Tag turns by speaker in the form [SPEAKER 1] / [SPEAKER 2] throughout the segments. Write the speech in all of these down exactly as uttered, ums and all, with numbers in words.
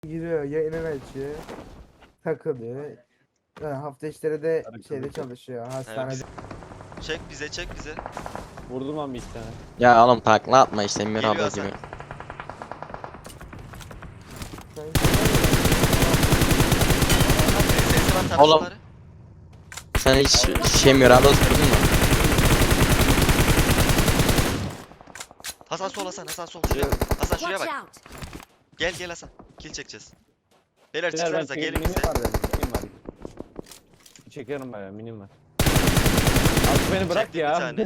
[SPEAKER 1] Giriyor, yayını açıyor, takılıyor. Yani hafta içleri de şeyde çalışıyor, hastanede.
[SPEAKER 2] Çek bize çek bize.
[SPEAKER 3] Vurdum lan bir iki tane.
[SPEAKER 4] Ya oğlum takla atma işte Emir
[SPEAKER 2] Geliyor
[SPEAKER 4] abla
[SPEAKER 2] Hasan.
[SPEAKER 4] gibi.
[SPEAKER 2] Sesi var
[SPEAKER 4] Oğlum.
[SPEAKER 2] tarafları.
[SPEAKER 4] Sen hiç şey Miranda oturdun mu?
[SPEAKER 2] Hasan sol Hasan Hasan sol şuraya. Hasan şuraya
[SPEAKER 5] Watch
[SPEAKER 2] bak.
[SPEAKER 5] out!
[SPEAKER 2] Gel gel Hasan. Kill çekeceğiz. Beyler
[SPEAKER 3] Beyler ben
[SPEAKER 2] çıksanıza gelin
[SPEAKER 3] minim
[SPEAKER 2] bize.
[SPEAKER 3] var benim. Minim var. Çekerim bayağı minim var. Abi beni bırak
[SPEAKER 2] Çektim
[SPEAKER 3] ya.
[SPEAKER 2] bir tane.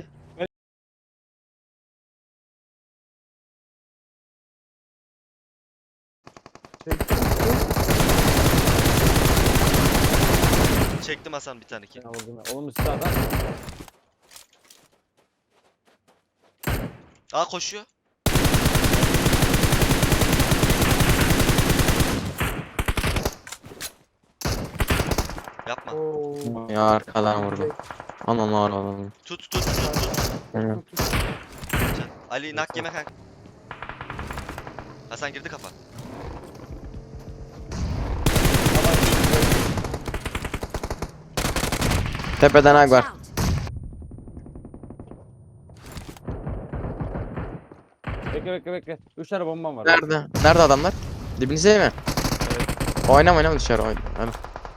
[SPEAKER 2] Çektim Hasan bir tane kill.
[SPEAKER 3] Ya vurdum ya. Oğlum üstü adam.
[SPEAKER 2] Aa koşuyor. Yapma.
[SPEAKER 1] Oo.
[SPEAKER 4] Ya arkadan vurdu. Aman var oğlum.
[SPEAKER 2] Tut tut tut tut.
[SPEAKER 4] Evet.
[SPEAKER 2] Can. Ali nak yeme kanka. Hasan girdi kafa.
[SPEAKER 4] Tepeden ag
[SPEAKER 5] Watch
[SPEAKER 4] var.
[SPEAKER 5] out!
[SPEAKER 3] Bekle bekle bekle. Üç tane bombam var.
[SPEAKER 4] Nerede? Nerede adamlar? Dibinize mi? Oynama oynama dışarı oyna. Hadi.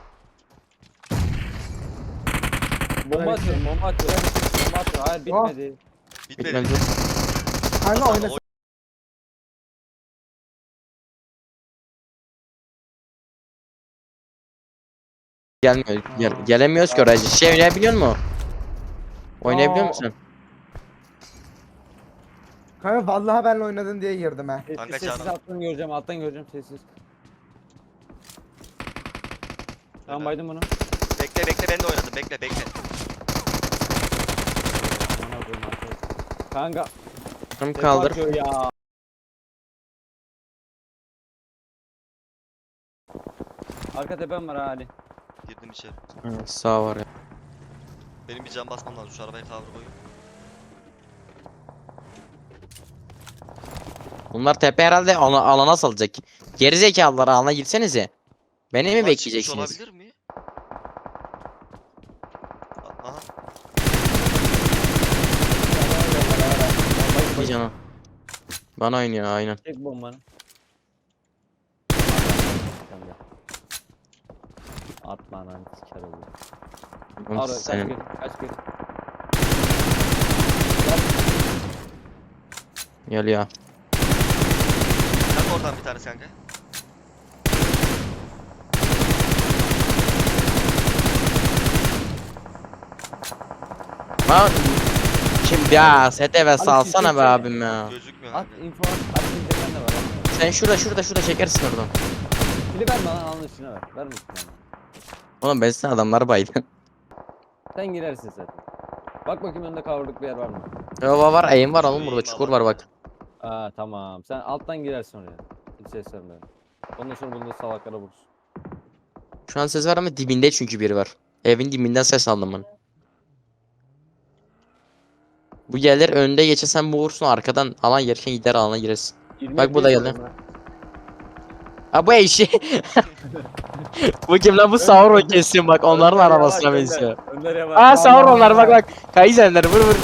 [SPEAKER 3] Bomba atıyorum bomba atıyorum. Bomba atıyorum. Hayır bitmedi.
[SPEAKER 2] Bitmedi.
[SPEAKER 4] Bitmedi.
[SPEAKER 1] Kanka
[SPEAKER 2] Hasan,
[SPEAKER 1] oynasın.
[SPEAKER 2] oy-
[SPEAKER 4] Gelmiyor. Gel,
[SPEAKER 1] Aa.
[SPEAKER 4] gelemiyoruz ki oraya. Şey oynayabiliyor musun? Oynayabiliyor
[SPEAKER 1] Aa.
[SPEAKER 4] musun?
[SPEAKER 1] Kanka vallahi benle oynadın diye girdim ha.
[SPEAKER 2] Kanka
[SPEAKER 3] Sessiz sessiz
[SPEAKER 2] canım.
[SPEAKER 3] alttan göreceğim alttan göreceğim sessiz. Tamam baydım bunu.
[SPEAKER 2] Bekle bekle ben de oynadım. Bekle bekle.
[SPEAKER 3] Aman koyayım artık. Kanka.
[SPEAKER 4] Tamam
[SPEAKER 3] tek
[SPEAKER 4] kaldır.
[SPEAKER 3] atıyor ya. Arka tepem var ha Ali.
[SPEAKER 2] Girdim içeri.
[SPEAKER 4] Evet, sağ var ya.
[SPEAKER 2] Benim bir can basmam lazım. Şu arabayı cover koyayım.
[SPEAKER 4] Bunlar tepe herhalde ala- alana salacak. Gerizekalılar alana gitsenize. Beni mi
[SPEAKER 2] Bunlar çıkmış
[SPEAKER 4] bekleyeceksiniz?
[SPEAKER 2] olabilir mi? A- Aha.
[SPEAKER 4] Bir canım. Bana oynuyor aynen.
[SPEAKER 3] Tek bombanı. Atma lan siker olur.
[SPEAKER 4] Oğlum
[SPEAKER 3] Ara kaç
[SPEAKER 4] senin-
[SPEAKER 3] geri kaç geri.
[SPEAKER 4] Geliyor.
[SPEAKER 2] Kanka oradan bir tanesi kanka.
[SPEAKER 4] Lan kim ya seteve salsana be
[SPEAKER 3] çeksene.
[SPEAKER 4] abim ya.
[SPEAKER 2] Gözükmüyor
[SPEAKER 3] At
[SPEAKER 2] kanka.
[SPEAKER 3] info at. At internetten de var. at.
[SPEAKER 4] Sen şurada şurada şurada çekersin oradan.
[SPEAKER 3] Bili verme lan alın içine ver. Verme içine.
[SPEAKER 4] Oğlum ben sana adamlar baydı.
[SPEAKER 3] Sen girersin zaten. Bak bakayım önünde kavruluk bir yer var mı?
[SPEAKER 4] Yova var eğim var oğlum
[SPEAKER 2] Şu
[SPEAKER 4] burada
[SPEAKER 2] eğim
[SPEAKER 4] çukur
[SPEAKER 2] alan.
[SPEAKER 4] var bak.
[SPEAKER 3] Aa tamam. Sen alttan girersin oraya. Hiç ses verme. Ondan sonra bunu da salaklara vurursun.
[SPEAKER 4] Şu an ses var ama dibinde çünkü biri var. Evin dibinden ses aldım ben. Bu gelir önünde geçersen bu vursun arkadan alan yerken gider alana girersin.
[SPEAKER 3] yirmi
[SPEAKER 4] Bak bu da
[SPEAKER 3] F P S
[SPEAKER 4] geldi.
[SPEAKER 3] diyorum
[SPEAKER 4] Ha bu eşi. Bu kim lan bu Sauron kesin bak
[SPEAKER 3] ha.
[SPEAKER 4] onların
[SPEAKER 3] Önder
[SPEAKER 4] arabasına
[SPEAKER 3] yavaş,
[SPEAKER 4] benziyor.
[SPEAKER 3] Önder. Önder yavaş.
[SPEAKER 4] Aa Sauron
[SPEAKER 1] Allah
[SPEAKER 4] onlar bak
[SPEAKER 1] Allah.
[SPEAKER 4] bak. Kaizenler vur vur.
[SPEAKER 3] Vur, Önder.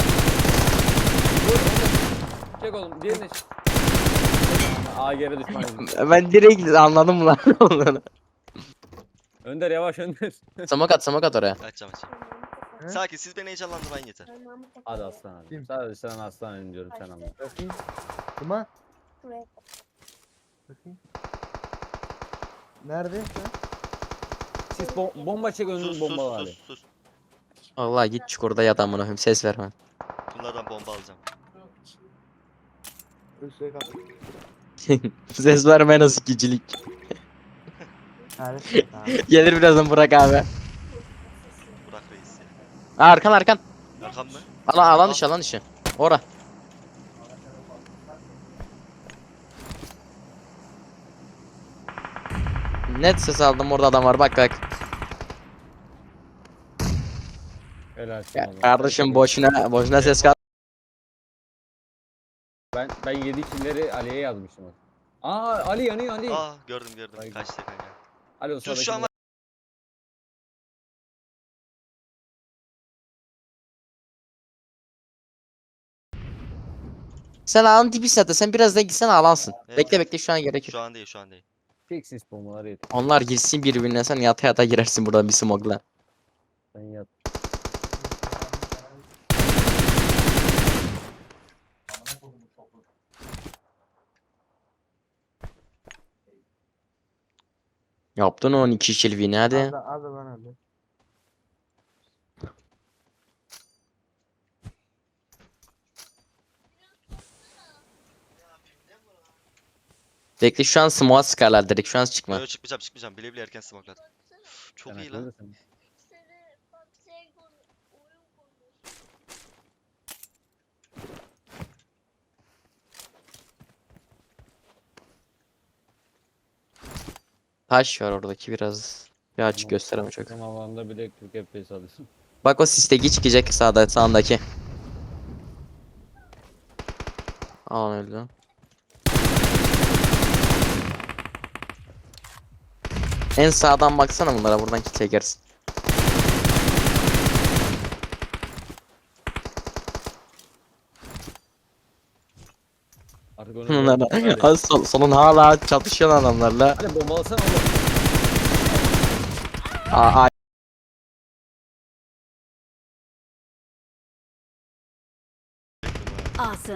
[SPEAKER 3] Çek oğlum. Diğerini çek. Aa geri düşman edin.
[SPEAKER 4] Ben direkt anladım lan onları.
[SPEAKER 3] Önder yavaş Önder.
[SPEAKER 4] Samak at samak at oraya.
[SPEAKER 2] Açacağım açacağım.
[SPEAKER 1] He?
[SPEAKER 2] Sakin siz beni heyecanlandırmayın yeter.
[SPEAKER 3] Hadi aslan hadi.
[SPEAKER 1] Kim?
[SPEAKER 3] Sadece sen aslan diyorum sen anla.
[SPEAKER 1] Bakayım. Kuma. Bakayım. Nerede? Ha?
[SPEAKER 3] Siz bom- bomba çek önünü
[SPEAKER 2] Sus
[SPEAKER 3] bomba
[SPEAKER 2] sus
[SPEAKER 3] var.
[SPEAKER 2] sus sus.
[SPEAKER 4] Vallahi git çukurda yat amına koyayım ses verme.
[SPEAKER 2] Bunlardan bomba alacağım.
[SPEAKER 1] Üstüne kal.
[SPEAKER 4] Ses verme nasıl gicilik.
[SPEAKER 1] Nerede? Tamam.
[SPEAKER 4] Gelir birazdan Burak abi.
[SPEAKER 2] Burak reis ya.
[SPEAKER 4] Aa, arkan arkan.
[SPEAKER 2] Arkam mı?
[SPEAKER 4] Alan alan dışı alan dışı. Ora. Net ses aldım orada adam var bak bak.
[SPEAKER 3] Helal
[SPEAKER 4] Ya,
[SPEAKER 3] olsun.
[SPEAKER 4] kardeşim boşuna boşuna ses kal.
[SPEAKER 3] Ben ben yedi kimleri Ali'ye yazmıştım. Aa Ali yanıyor Ali.
[SPEAKER 2] Aa gördüm gördüm.
[SPEAKER 3] Ay.
[SPEAKER 2] Kaçtı kanka.
[SPEAKER 3] Ali o
[SPEAKER 2] Dur
[SPEAKER 3] sağdaki
[SPEAKER 2] şu an var.
[SPEAKER 4] Sen ağın dibi zaten. Sen birazdan gitsen alansın.
[SPEAKER 2] Evet,
[SPEAKER 4] Bekle
[SPEAKER 2] evet.
[SPEAKER 4] bekle şu an gerek yok.
[SPEAKER 2] Şu an değil şu an değil.
[SPEAKER 3] tek sis bombaları yeter.
[SPEAKER 4] Onlar girsin birbirine sen yata yata girersin buradan bir smogla.
[SPEAKER 3] Sen yat.
[SPEAKER 4] Yaptın on iki kilvini hadi.
[SPEAKER 1] Hadi hadi lan hadi.
[SPEAKER 4] Bekle şu an smoke'a sıkarlar direkt şu an çıkma.
[SPEAKER 2] Yo, çıkmayacağım çıkmayacağım. Bile bile erken smokladım. Çok
[SPEAKER 3] Sen
[SPEAKER 2] iyi
[SPEAKER 3] akıllı
[SPEAKER 2] lan.
[SPEAKER 3] mısın?
[SPEAKER 4] Taş var oradaki biraz. Bir açık
[SPEAKER 3] Tamam.
[SPEAKER 4] gösteremem çok.
[SPEAKER 3] Sen alanda bile kırk F P S alıyorsun.
[SPEAKER 4] Bak o sisteki çıkacak sağda sağındaki. Aa öldü. En sağdan baksana bunlara buradan ki çekersin.
[SPEAKER 3] Artık onu
[SPEAKER 4] Bunlar
[SPEAKER 3] gördüm. Hadi.
[SPEAKER 4] Az sol, solun hala çatışan adamlarla.
[SPEAKER 3] Hadi bombalasana oğlum.
[SPEAKER 4] Aa, aa,
[SPEAKER 2] Bekliyorum ha.
[SPEAKER 5] Awesome.